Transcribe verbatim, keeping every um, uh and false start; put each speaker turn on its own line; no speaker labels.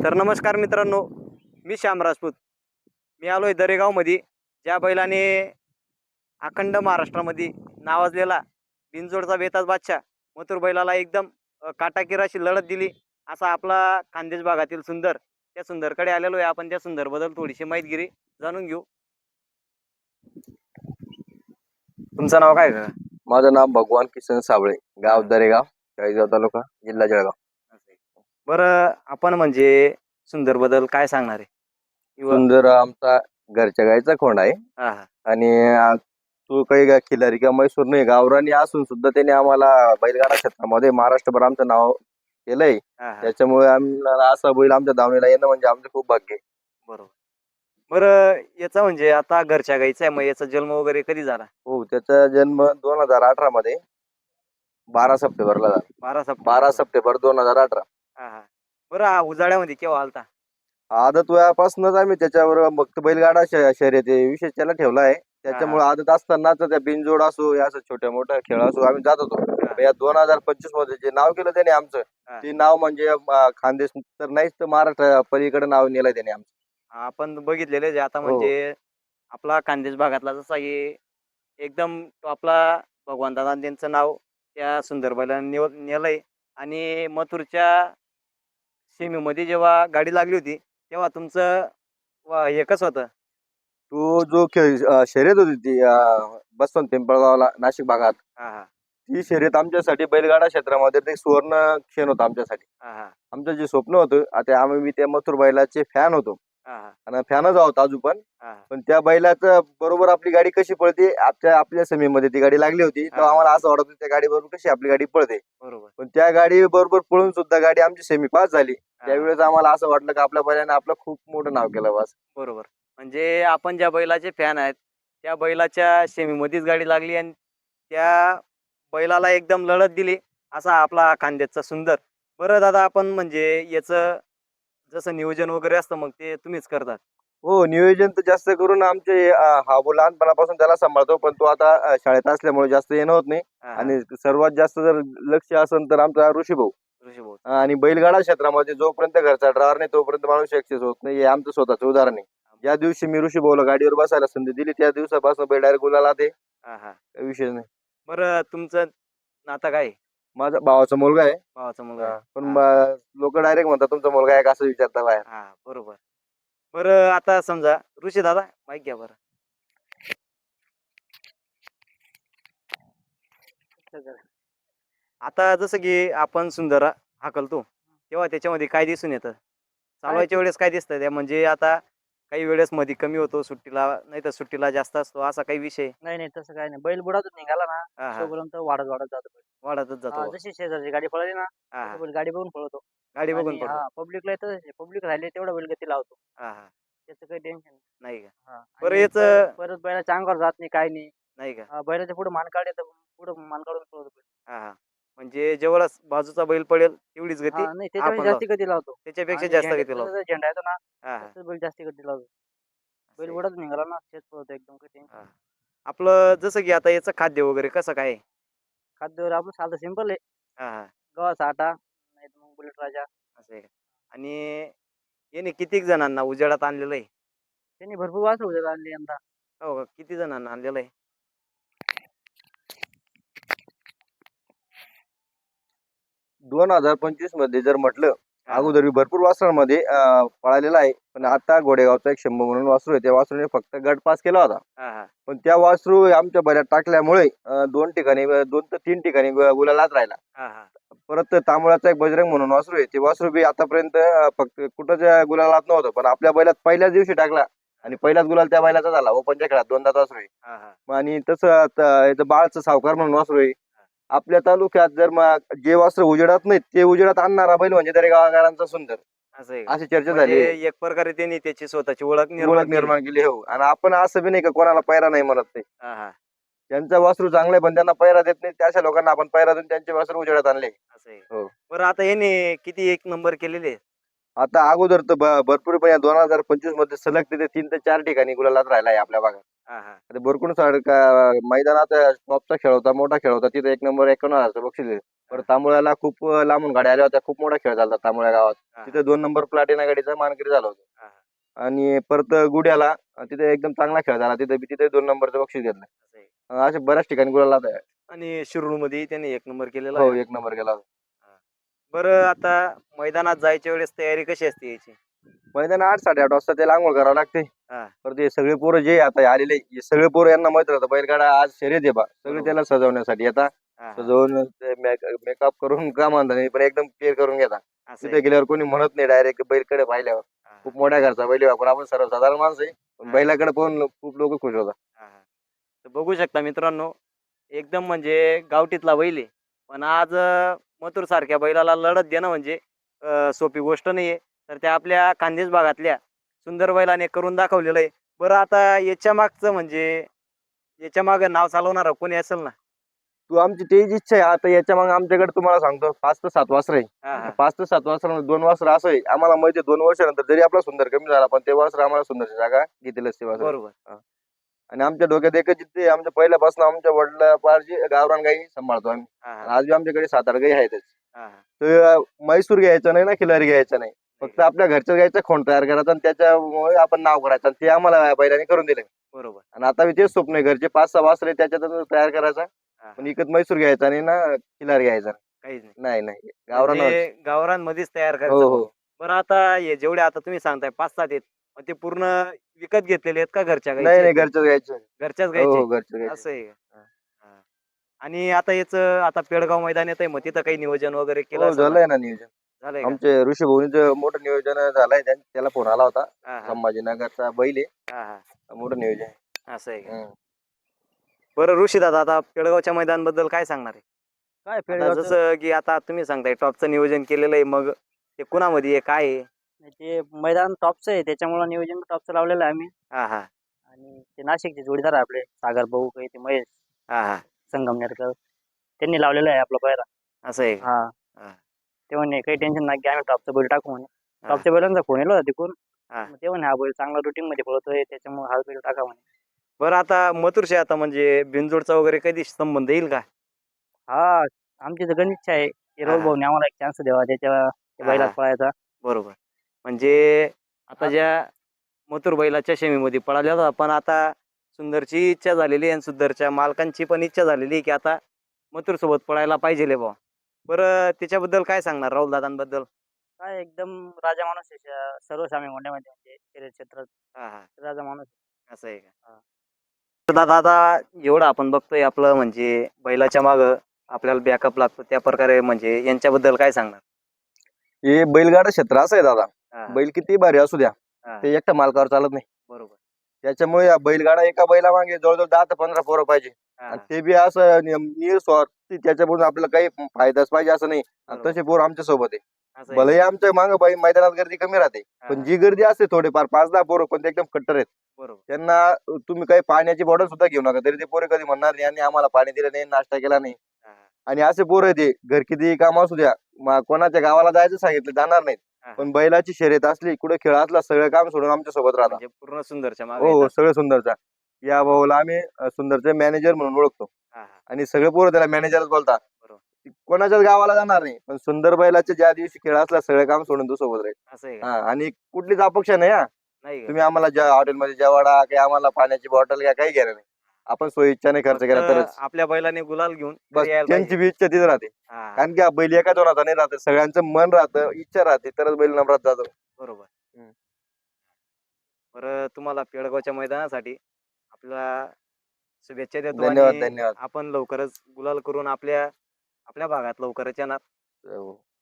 तर नमस्कार मित्रांनो, मी श्याम राजपूत. मी आलोय दरेगावमध्ये, ज्या बैलाने अखंड महाराष्ट्रामध्ये नावाजलेला बिनजोडचा बेताज बादशाह मथुर बैलाला एकदम अ, काटाकीर अशी लढत दिली, असा आपला खानदेश भागातील सुंदर. त्या सुंदरकडे आलेलो आहे. आपण त्या सुंदरबद्दल थोडीशी माहितगिरी जाणून घेऊ. तुमचं नाव काय का?
माझं नाव भगवान किसन साबळे, गाव
हा.
दरेगाव, चाळीसगाव तालुका, जिल्हा जळगाव.
बरं, आपण म्हणजे सुंदर बद्दल काय सांगणार आहे? किंवा
सुंदर आमचा घरच्या गाईचा खोंड आहे
हा हा
आणि आ, तो काही गा- खिलारी किंवा मैसूर नाही, गावरानी असून सुद्धा त्याने आम्हाला बैलगाडा क्षेत्रामध्ये महाराष्ट्रभर आमचं नाव केलंय.
हा हा
त्याच्यामुळे आम्हाला असा बैल आमच्या दावणीला येणं म्हणजे आमचं खूप भाग्य आहे.
बरोबर. बरं, याचा म्हणजे आता घरच्या गाईचा आहे, मग याचा जन्म वगैरे कधी झाला?
हो, त्याचा जन्म दोन हजार अठरा मध्ये बारा सप्टेंबरला झाला.
बारा सप्टेंबर.
बारा सप्टेंबर दोन हजार अठरा.
हा हा बरं, हा उजाड्यामध्ये केव्हा आलता?
आदत वयापासूनच आम्ही त्याच्यावर फक्त बैलगाडा श- शर्यती विशेष त्याला ठेवला आहे. त्याच्यामुळे आदत असतानाच त्या बिनजोड असो या असं छोट्या मोठ्या खेळ असो आम्ही जात होतो.
हा.
या दोन हजार पंचवीस मध्ये जे नाव केलं त्याने आमचं,
हा.
ते नाव म्हणजे अं, खानदेश तर नाहीच तर महाराष्ट्र पलीकडे नाव नेलंय त्याने आमचं.
आपण बघितलेले जे आता
हो.
म्हणजे आपला खानदेश भागातला जसा की एकदम तो आपला भगवान दादा त्यांचं नाव त्या सुंदरबाईला निव नेलंय. आणि मथुरच्या सीमेमध्ये जेव्हा गाडी लागली होती, तेव्हा तुमचं वा- हे कसं होतं?
तो जो खेळ अं, शर्यत होती ती अं, बसवंत पिंपळगावला नाशिक भागात,
हा हा
ती शर्यत आमच्यासाठी बैलगाडा क्षेत्रामध्ये ते सुवर्ण क्षण होता आमच्यासाठी.
हा हा
आमचं जे स्वप्न होतं, आता आम्ही मी त्या मथुर बैलाचे फॅन होतो
हा हा
आणि फॅनच आहोत अजून पण.
हा
पण त्या बैलाचं बरोबर आपली गाडी कशी पळते, आपल्या आपल्या समीमध्ये ती गाडी लागली होती, तर
हा.
आम्हाला असं वाटत होतं त्या गाडी बरोबर कशी आपली गाडी पळते.
बरोबर.
पण त्या गाडी बरोबर पळून सुद्धा गाडी आमची सेमी पास झाली.
हा.
त्यावेळेस आम्हाला असं वाटलं की आपल्या बैलाने आपलं खूप मोठं नाव केलं बस.
बरोबर. म्हणजे आपण ज्या बैलाचे फॅन आहेत, त्या बैलाच्या सेमीमध्येच गाडी लागली आणि त्या बैलाला एकदम लढत दिली, असा आपला खानदेशचा सुंदर. बरं दादा, आपण म्हणजे याचं जसं नियोजन वगैरे असतं, मग ते तुम्हीच करतात?
हो, नियोजन तर जास्त करून आमचे अं, हा भाऊ लहानपणापासून त्याला सांभाळतो, पण तो आता अं, शाळेत असल्यामुळे जास्त येणं होत नाही.
हा हा
आणि सर्वात जास्त जर लक्ष असेल तर आमचा ऋषी भाऊ.
ऋषी भाऊ.
आणि बैलगाडा क्षेत्रामध्ये जोपर्यंत घरचा ड्रायव्हर नाही तोपर्यंत माणूस सक्सेस होत नाही, हे आमचं स्वतःचं उदाहरण आहे. ज्या दिवशी मी ऋषी भाऊला गाडीवर बसायला संधी दिली त्या दिवसापासून बैल डायरेक्ट गुलाला ते
हा हा
काही विषय नाही.
बरं, तुमचं नातं काय आहे?
माझा भावाचा मुलगा आहे.
भावाचा मुलगा
हा,
आहे.
पण
हा.
लोक डायरेक्ट म्हणतात तुमचा मुलगा आहे का असं विचारता बाहेर.
हा, बरोबर. बरं, आता समजा ऋषी दादा माहित घ्या बरं. आता जसं की आपण सुंदर हाकलतो, तेव्हा त्याच्यामध्ये काय दिसून येतं? चालवायच्या वेळेस काय दिसतं त्या, म्हणजे आता काही वेळेस मध्ये कमी होतो सुट्टीला, नाही तर सुट्टीला जास्त असतो, असा काही विषय?
नाही नाही तसं काही नाही. बैल बुडातून निघाला ना,
हा हा
तोपर्यंत वाढत वाढत जातो बैल.
वाढतच
हा,
जातो.
जशी शेजारची गाडी पळाली ना,
हा
तसं
हा
बैल गाडी बघून पळतो.
गाडी बघून
आणि
पडतो.
हा, पब्लिकला येतं, पब्लिक राहिले तेवढा बैल गती लावतो.
हा हा
त्याचं काही टेन्शन नाही.
नाही का?
हा,
बरं,
आणि
याचं
प- परत बैलाच्या अंगावर जात नाही, काही नाही.
नाही का?
हा, बैलाच्या पुढे मान काढले तर पुढे मान काढून पळतो बैल.
हा हा म्हणजे जेवढा बाजूचा बैल पडेल तेवढीच गती
हा, नाही
हा
त्याच्यापेक्षा
पण
जास्ती गती लावतो.
त्याच्यापेक्षा
आणि
जास्त
झेंडा
गती लावतो.
जसा झेंडा येतो ना,
हा हा
तसंच बैल जास्ती गती लावतो. बैल
असं आहे.
बुडातून निघाला ना, तेच पळतो एकदम, काही टेन्शन
हा.
नाही.
आपलं जसं की आता याचं खाद्य वगैरे कसं काय आहे?
खाद्यावर आपलं साधं सिंपल आहे.
हा हा
गव्हाचा आटा, नाही तर मग बुलेट राजा.
असं आहे का? आणि याने किती जणांना उजेडात आणलेलं आहे?
त्यांनी भरपूर वासर उद्या आणली यंदा.
हो का? किती जणांना आणलेलं आहे?
दोन हजार पंचवीस मध्ये जर म्हटलं,
हा, हा.
अगोदर भरपूर वासरांमध्ये अं, पळालेला आहे. पण
हा.
आता घोडेगावचा एक शंभू म्हणून वासरू आहे, त्या वासरूने फक्त गट पास केला होता.
हा हा
पण त्या वासरू आमच्या बऱ्यात टाकल्यामुळे अं, दोन ठिकाणी दोन तर तीन ठिकाणी गु- गुलालात राहिला.
हा हा
परत तांबळाचा एक बजरंग म्हणून वासरू आहे, ते वासरू बी आतापर्यंत अं, फक्त कुठंच गुलालात नव्हतं, पण आपल्या बैलात पहिल्याच दिवशी टाकला आणि पहिलाच गुलाल त्या बैलाचा झाला. ओपनच्या खेळात दोनदा वासरू आहे.
हा हा
मग आणि तसं आता याचं बाळचं सावकार म्हणून वासरू आहे. आपल्या तालुक्यात जर मग जे वासरू उजेडात नाहीत ते उजेडात आणणारा बैल म्हणजे तरी गावागारांचा सुंदर,
असं आहे का?
अशी चर्चा
म्हणजे
झाली.
एक प्रकारे त्यांनी त्याची स्वतःची ओळख
ओळख
निर्माण केली.
निर्माण केली. हो, आणि आपण असं बी नाही का कोणाला पैरा नाही म्हणत नाही.
हा हा
ज्यांचा वासरू चांगला आहे पण त्यांना पैरा देत नाही, त्या अशा लोकांना आपण पैरा देऊन त्यांचे वासरू उजेडात आणले.
असं आहे.
हो.
बरं, आता याने किती एक नंबर केलेले आहेत?
आता अगोदर तर भ- भरपूर पण या दोन हजार पंचवीस मध्ये सलग तिथे तीन ते चार ठिकाणी गुलालात राहिला आहे आपल्या भागात.
हा हा
आता बोरकुंड सारखा मैदानात टॉपचा खेळ होता, मोठा खेळ होता, तिथे एक नंबर एकावन्न हजारचं बक्षीस दिलं. परत तांबोळ्याला खूप लांबून गाड्या आल्या होत्या, खूप मोठा खेळ झाला तांबोळ्या गावात.
हा,
तिथे दोन नंबर प्लाटिना गाडीचा मानकरी झाला होता.
हा, हा.
आणि परत गुड्याला अं, तिथे एकदम चांगला खेळ झाला, तिथे तिथे दोन नंबरचं बक्षीस घेतलं.
असं आहे.
अं, असे बऱ्याच ठिकाणी गुलाला आहे.
आणि शिरूर मध्ये त्यांनी एक नंबर केलेला
हो,
आहे.
एक नंबर गेला.
बरं आता मैदानात जायच्या वेळेस तयारी कशी असते याची?
मैदान आठ साडेआठ वाजता त्याला आंघोळ करावं लागते.
हा
परत हे सगळे पोरं जे आता आलेले हे सगळे पोरं यांना माहित राहतं बैलगाडा आज शर्यत आहे बा, सगळे
बरोबर.
त्याला सजवण्यासाठी येतात.
हा, हा.
सजवून मेकअप करून का म्हणता नाही पण एकदम केअर करून घेतात.
असं
तिथे
आहे.
गेल्यावर कोणी म्हणत नाही डायरेक्ट बैलकडे पाहिल्यावर.
हा, हा.
खूप मोठ्या घरचा बैल आहे आपण आपण सर्वसाधारण माणसं आहे पण
हा.
बैलाकडे पाहून खूप लोक खुश होतात.
हा, हा. तर बघू शकता मित्रांनो, एकदम म्हणजे गावठीतला बैल आहे. पण आज मथुर सारख्या बैलाला लढत देणं म्हणजे अं, सोपी गोष्ट नाहीये. तर त्या आपल्या खानदेश भागातल्या सुंदर बैलाने करून दाखवलेलं आहे. बरं आता याच्या मागचं म्हणजे याच्या मागे नाव चालवणार कोणी असेल ना?
तू आमची तेच इच्छा आहे आता याच्या मग आमच्याकडे तुम्हाला सांगतो पाच ते सात वासर
हा,
आहे.
हा.
पाच ते सात वासर दोन वासर असं आहे आम्हाला माहिती आहे, दोन वर्षानंतर जरी आपला सुंदर कमी झाला पण ते वासर आम्हाला सुंदरची जागा घेतीलच ते वासर.
बरोबर.
आणि आमच्या डोक्यात एकच जिथे आमच्या पहिल्यापासून आमच्या वडिला पारजी गावरान गाई सांभाळतो आम्ही.
हा,
आणि
हा.
आज बी आमच्याकडे सात आठ गाई आहेतच.
हा, हा.
तर म्हैसूर घ्यायचं नाही ना खिलारी घ्यायचं नाही, फक्त आपल्या घरच्या गाईचा खोंड तयार करायचा आणि त्याच्यामुळे आपण नाव करायचं आणि ते आम्हाला बैलाने करून दिले.
बरोबर.
आणि आता मी तेच स्वप्न आहे घरचे पाच सहा वासरे त्याच्यातून तयार करायचा
हा,
पण
हा.
इकत म्हैसूर घ्यायचा नाही ना खिलारी घ्यायचा
काहीच नाही.
नाही नाही गावरान.
म्हणजे गावरांमध्येच तयार
हो
करायचं
हो
भाऊ. बरं आता हे जेवढे आता तुम्ही सांगताय पाच सात आहेत, मग ते पूर्ण विकत घेतलेले आहेत का घरच्या
नाही
गाईचे
नाही
आहेत?
घरच्याच घ्यायचं.
घरच्याच
हो
गाईचे?
हो घरचं घ्यायचं.
असं आहे का? हा. आणि आता याचं आता पेडगाव मैदान येत आहे, मग तिथं काही नियोजन वगैरे केलं
हो
असेल ना?
झालंय ना नियोजन.
झालंय का?
आमचे ऋषी भोनीचं मोठं नियोजन झालंय त्यां- त्याला फोन आला होता.
हा, हा.
संभाजीनगरचा बैल
हा, हा.
आहे मोठं नियोजन आहे.
असं आहे का?
हम्म.
बरं ऋषी दादा आता पेडगावच्या मैदानाबद्दल काय सांगणार आहे?
काय
आता
पेडगावचं
जसं की आता तुम्ही सांगताय टॉपचं नियोजन केलेलं आहे, मग ते कुणामध्ये आहे काय आहे?
ते मैदान टॉपचं आहे त्याच्यामुळे नियोजन टॉपचं लावलेलं आहे आम्ही.
हा, हा.
आणि ते नाशिकचे जोडीदार आहे आपले सागर भाऊ काही ते महेश
हा, हा.
संगमनेरकर त्यांनी लावलेलं आहे आपला पहिला.
असं आहे का?
हा
हा.
ते म्हणे काही टेन्शन नाही की आम्ही टॉपचा बैल टाकू म्हणे.
हा.
टॉपच्या बैलांचा फोन येलो होता तिकडून.
हा.
मग ते म्हणे हा बैल चांगला रुटीन मध्ये पळतोय त्याच्यामुळे हा बैल टाका म्हणे.
बरं आता मथुरशी आता म्हणजे बिनजोडचा वगैरे कधी संबंध येईल का?
हा आमची तर गण इच्छा आहे की
हा,
राहुल
हा.
भाऊने आम्हाला एक चान्स द्यावा त्याच्या त्या
हा,
बैलात
हा.
पळायचा.
बरोबर. म्हणजे आता
हा.
ज्या मथुर बैलाच्या शेमीमध्ये पळाल्या होत्या, पण आता सुंदरची इच्छा झालेली आहे आणि सुंदरच्या मालकांची पण इच्छा झालेली आहे की आता मथुर सोबत पळायला पाहिजे बुवा. बरं त्याच्याबद्दल काय सांगणार राहुल दादांबद्दल?
काय एकदम राजा माणूस आहे श- सर्व सामी मोंड्यामध्ये म्हणजे शर्यत क्षेत्रात
हा, हा.
राजा माणूस आहे.
असं आहे का?
हा.
तर दादा आता एवढं आपण बघतोय आपलं म्हणजे बैलाच्या मागं आपल्याला बॅकअप लागतो त्या प्रकारे म्हणजे यांच्याबद्दल काय सांगणार?
हे बैलगाडा क्षेत्र असं आहे दादा,
हा,
बैल किती भारी असू द्या
हा.
ते एकट्या मालकावर चालत नाही.
बरोबर.
त्याच्यामुळे या बैलगाडा एका बैला मागे जवळजवळ दहा ते पंधरा पोरं पाहिजे
हा,
आणि ते बी असं नियम- निस्वार्थी त्याच्यापासून आपल्याला काही फायदाच पाहिजे असं नाही. आणि
बरोबर.
तसे पोर आमच्या सोबत आहे.
असं आहे
भलेही
का?
आमच्या मागं बाई मैदानात गर्दी कमी राहते
हा,
पण
हा.
जी गर्दी असते थोडेफार पाच दहा पोरं पण ते एकदम कट्टर आहेत.
बरोबर.
त्यांना तुम्ही काही पाण्याची बॉटल सुद्धा घेऊ नका तरी ते पोरे कधी म्हणणार नाही आणि आम्हाला पाणी दिलं नाही नाश्ता केला नाही.
हा, हा.
आणि असे पोरं आहे ते घर किती काम असू द्या म- कोणाच्या गावाला जायचं सांगितलं जाणार नाहीत
हा, हा.
पण बैलाची शर्यत असली कुठे खेळ असला सगळं काम सोडून आमच्या सोबत राहतात.
म्हणजे पूर्ण सुंदरच्या मागे
हो हो
येतात.
सगळं सुंदरचा या भाऊला आम्ही अ, सुंदरचे मॅनेजर म्हणून ओळखतो
हा, हा.
आणि सगळे पोरं त्याला मॅनेजरच बोलतात.
बरोबर.
कोणाच्याच गावाला जाणार नाही पण सुंदर बैलाचे ज्या दिवशी खेळ असला सगळं काम सोडून तो सोबत राहील.
असं आहे का?
हा आणि कुठलीच अपेक्षा नाही हा
नाही का?
तुम्ही आम्हाला ज्या हॉटेलमध्ये जेवाडा काही आम्हाला पाण्याची बॉटल घ्या काही घेणार नाही आपण सोयी इच्छाने खर्च केला
फक्त
तरच
आपल्या बैलाने गुलाल घेऊन
बस
घरी यायला
त्यांची
पाहिजे.
बी इच्छा तिथे राहते.
हा, हा.
कारण की हा बैल एका दोनाचा नाही राहत सगळ्यांचं मन राहतं इच्छा राहते तरच बैल नंबरात जातो.
बरोबर.
हम्म.
बरं तुम्हाला पेडगावच्या मैदानासाठी आपला शुभेच्छा देतो
धन्यवाद
आणि
धन्यवाद
आपण लवकरच गुलाल करून आपल्या आपल्या भागात लवकरच येणार.
हो.